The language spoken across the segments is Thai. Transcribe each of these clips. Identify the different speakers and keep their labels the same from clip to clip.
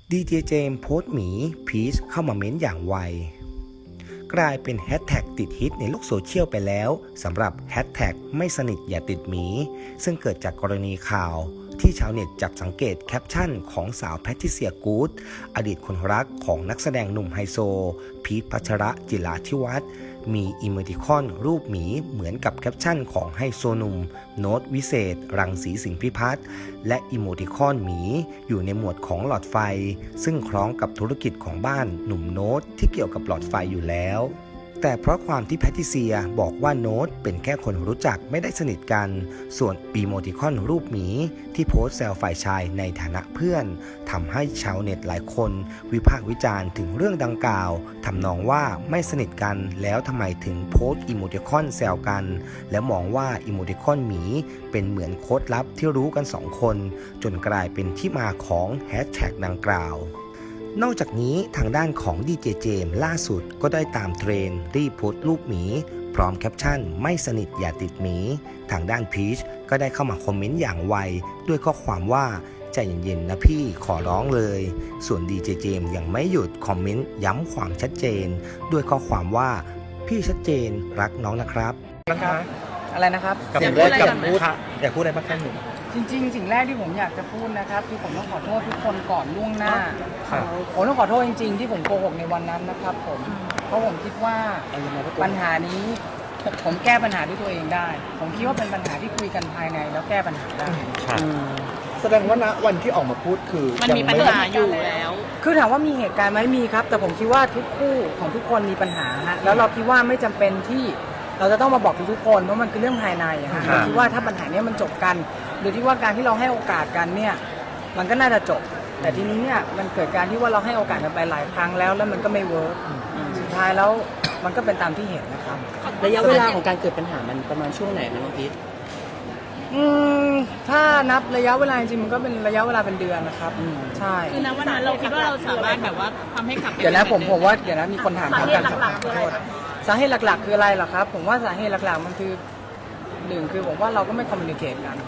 Speaker 1: ดีเจเจมส์โพสต์หมีพีชเข้ามาเม้นอย่างไวกลายเป็นแฮชแท็กติดฮิตในโลกโซเชียลไปแล้วสำหรับแฮชแท็กไม่สนิทอย่าติดหมีซึ่งเกิดจากกรณีข่าวที่ชาวเน็ตจับสังเกตแคปชั่นของสาวแพทริเซียกู๊ดอดีตคนรักของนักแสดงหนุ่มไฮโซพีชพัชระจิราธิวัฒน์มีอิโมติคอนรูปหมีเหมือนกับแคปชั่นของไฮโซหนุ่มโน้ตวิเศษรังสีสิงห์พิพัฒน์และอิโมติคอนหมีอยู่ในหมวดของหลอดไฟซึ่งคล้องกับธุรกิจของบ้านหนุ่มโน้ตที่เกี่ยวกับหลอดไฟอยู่แล้วแต่เพราะความที่แพทริเซียบอกว่าโน้ตเป็นแค่คนรู้จักไม่ได้สนิทกันส่วนอีโมติคอนรูปหมีที่โพสต์แซวฝ่ายชายในฐานะเพื่อนทำให้ชาวเน็ตหลายคนวิพากษ์วิจารณ์ถึงเรื่องดังกล่าวทำนองว่าไม่สนิทกันแล้วทำไมถึงโพสต์อีโมติคอนแซวกันและมองว่าอีโมติคอนหมีเป็นเหมือนโค้ดลับที่รู้กัน2คนจนกลายเป็นที่มาของแฮชแท็กดังกล่าวนอกจากนี้ทางด้านของดีเจเจมส์ล่าสุดก็ได้ตามเทรนด์รีบโพสต์รูปหมีพร้อมแคปชั่นไม่สนิทอย่าติดหมีทางด้านพีชก็ได้เข้ามาคอมเมนต์อย่างไวด้วยข้อความว่าใจเย็นๆนะพี่ขอร้องเลยส่วนดีเจเจมส์ยังไม่หยุดคอมเมนต์ย้ำความชัดเจนด้วยข้อความว่าพี่ชัดเจนรักน้องนะครับ
Speaker 2: อะไรนะครับ
Speaker 3: กับเรื่องกับพูดอยากพูดอะไรบ้างครับหนู
Speaker 2: จริงๆสิ่งแรกที่ผมอยากจะพูดนะครับคือผมต้องขอโทษทุกคนก่อนล่วงหน้า
Speaker 3: ครับ
Speaker 2: ผมต้องขอโทษจริงๆที่ผมโกหกในวันนั้นนะครับผมเพราะผมคิดว่าปัญหานี้ผมแก้ปัญหาด้วยตัวเองได้ ผมคิดว่าเป็นปัญหาที่คุยกันภายในแล้วแก้ปัญหาได้
Speaker 4: แสดงว่าณวันที่ออกมาพูดคือ
Speaker 5: มันมีปัญหาอยู่แล้ว
Speaker 2: คือถามว่ามีเหตุการณ์ไหมมีครับ แต่ผมคิดว่าทุกคู่ของทุกคนมีปัญหาฮะแล้วเราคิดว่าไม่จำเป็นที่เราจะต้องมาบอกทุกคนเพราะมันคือเรื่องภายในอะฮะเราคิดว่าถ้าปัญหานี้มันจบกันโดยที่ว่าการที่เราให้โอกาสกันเนี่ยมันก็น่าจะจบแต่ทีนี้เนี่ยมันเกิดการที่ว่าเราให้โอกาสกันไปหลายครั้งแล้วมันก็ไม่เวิร์กสุดท้ายแล้วมันก็เป็นตามที่เห็นนะครับ
Speaker 6: ระยะเวลาของการเกิดปัญหามันประมาณช่วงไหนนะน้องพีท
Speaker 2: ถ้านับระยะเวลาจริงๆมันก็เป็นระยะเวลาเป็นเดือนนะครับใช่
Speaker 5: คือณวันนั้นเราคิดว่าเราสามารถแบบว่าทำให้กลับไป
Speaker 2: เดี๋ยวนะผมว่าเดี๋ยวนะมีคนถาม
Speaker 5: สาเหตุ
Speaker 2: กัน
Speaker 5: หลักๆคืออะไร
Speaker 2: สาเหตุหลักๆคืออะไรเหรอครับผมว่าสาเหตุหลักๆมันคือหนึ่งคือผมว่าเราก็ไม่คอมมิวนิเคชกัน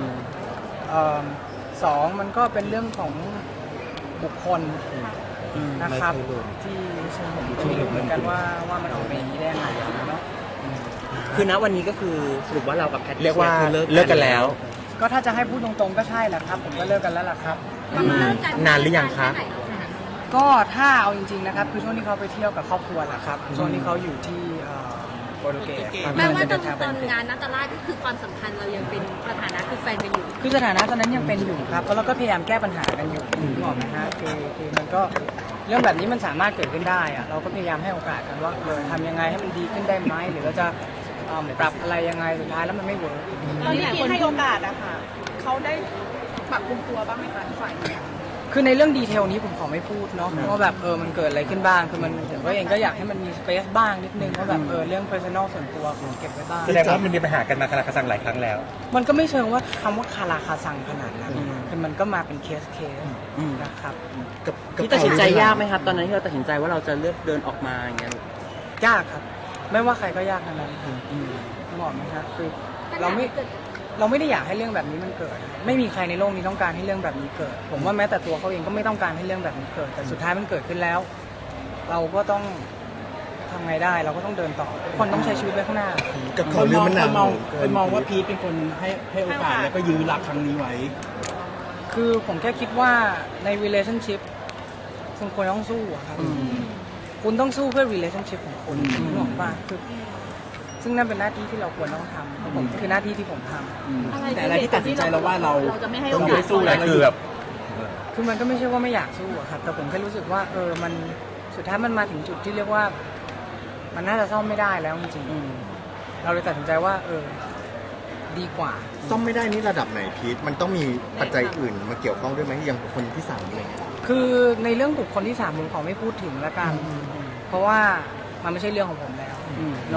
Speaker 2: สองมันก็เป็นเรื่องของบุคคลนะครับที่ผมก็ไม่รู้เหมือนกันว่ามันออกมาอย่างนี้ได้ยังไงเนาะ
Speaker 6: คือณวันนี้ก็คือสรุปว่าเรากับแพท
Speaker 3: เรียกว่าเลิกกันแล้ว
Speaker 2: ก็ถ้าจะให้พูดตรงๆก็ใช่แหละครับผมก็เลิกกันแล้วล่ะครับ
Speaker 3: นานหรือยังคะ
Speaker 2: ก็ถ้าเอาจริงๆนะครับคือช่วงที่เขาไปเที่ยวกับครอบครัวแหละครับช่วงที่เขาอยู่ที่โปรตุเกสครับ
Speaker 5: แม้ว่าต
Speaker 2: เดิ
Speaker 5: อน
Speaker 2: ทางไปอังกฤษ
Speaker 5: งานนัตตาลาดก็คือความสัมพันธ์เรายังเป็นสถานะคือแฟนกันอยู่
Speaker 2: คือสถานะตอนนั้นยังเป็นอยู่ครับแล้วเราก็พยายามแก้ปัญหากันอยู่นึกออกไหมฮะคือมันก็เรื่องแบบนี้มันสามารถเกิดขึ้นได้อะเราก็พยายามให้โอกาสกันว่าทำยังไงให้มันดีขึ้นได้ไหมหรือเราจะปรับอะไรยังไงสุดท้ายแล้วมันไม่เวิร์ก
Speaker 5: ตอนที่พีทให้โอกาสอะค่ะเขาได้ปรับปรุงตัวบ้างไหมคะฝ่ายนี้
Speaker 2: คือในเรื่องดีเทลนี้ผมขอไม่พูดเนาะว่าแบบมันเกิดอะไรขึ้นบ้างคือมันผมก็เองก็อยากให้มันมีสเปซบ้างนิดนึงว่าแบบเรื่อง personal ส่วนตัวของเก็บไว้บ้าง
Speaker 3: แสดงว่ามันมีปัญหากันมาคาราคาซังหลายครั้งแล้ว
Speaker 2: มันก็ไม่เชิงว่าคำว่าคาราคาซังขนาดนั้นคือมันก็มาเป็นเคสนะครับ
Speaker 6: ที่ตัดสินใจยากไหมครับ ตอนนั้นที่เราตัดสินใจว่าเราจะเลือกเดินออกมาอย่างเงี้ย
Speaker 2: ยากครับไม่ว่าใครก็ยากทั้งนั้นบอกไหมครับคือเราไม่ได้อยากให้เรื่องแบบนี้มันเกิดไม่มีใครในโลกนี้ต้องการให้เรื่องแบบนี้เกิด ผมว่าแม้แต่ตัวเขาเองก็ไม่ต้องการให้เรื่องแบบนี้เกิดแต่สุดท้ายมันเกิดขึ้นแล้ว เราก็ต้องทำไงได้เราก็ต้องเดินต่อทุกคนต้องใช้ชีวิตไปข้างหน้า
Speaker 4: กับเขาเรื่องมันหนัก
Speaker 7: คนมองว่าพีทเป็นคนให้โอกาสแล้วก็ยื้อรักครั้งนี้ไว้
Speaker 2: คือผมแค่คิดว่าใน relationship คุณควรต้องสู้อะครับคุณต้องสู้เพื่อ relationship ของคุณนึกออกป่ะคือซึ่งนั่นเป็นหน้าที่ที่เราควรต้องทำผมคือหน้าที่ที่ผมทำ
Speaker 7: แต่อะไรที่ตัดสินใจเราว่าเรา
Speaker 5: จะไม่ให้โอ
Speaker 7: ต้อง
Speaker 5: กา
Speaker 7: ไป
Speaker 5: ส
Speaker 7: สู้แล้ว
Speaker 3: คือแบบ
Speaker 2: คือมันก็ไม่ใช่ว่าไม่อยากสู้อะครับแต่ผมแค่รู้สึกว่ามันสุดท้ายมันมาถึงจุดที่เรียกว่ามันน่าจะซ่อมไม่ได้แล้วจริงๆเราเลยตัดสินใจว่าดีกว่า
Speaker 4: ซ่อมไม่ได้นี่ระดับไหนพีทมันต้องมีปัจจัยอื่นมาเกี่ยวข้องด้วยไหมอย่างคนที่สามอะไรเงี้ย
Speaker 2: คือในเรื่องบุคคลที่สามผมขอไม่พูดถึงละกันเพราะว่ามันไม่ใช่เรื่องของผมแล้ว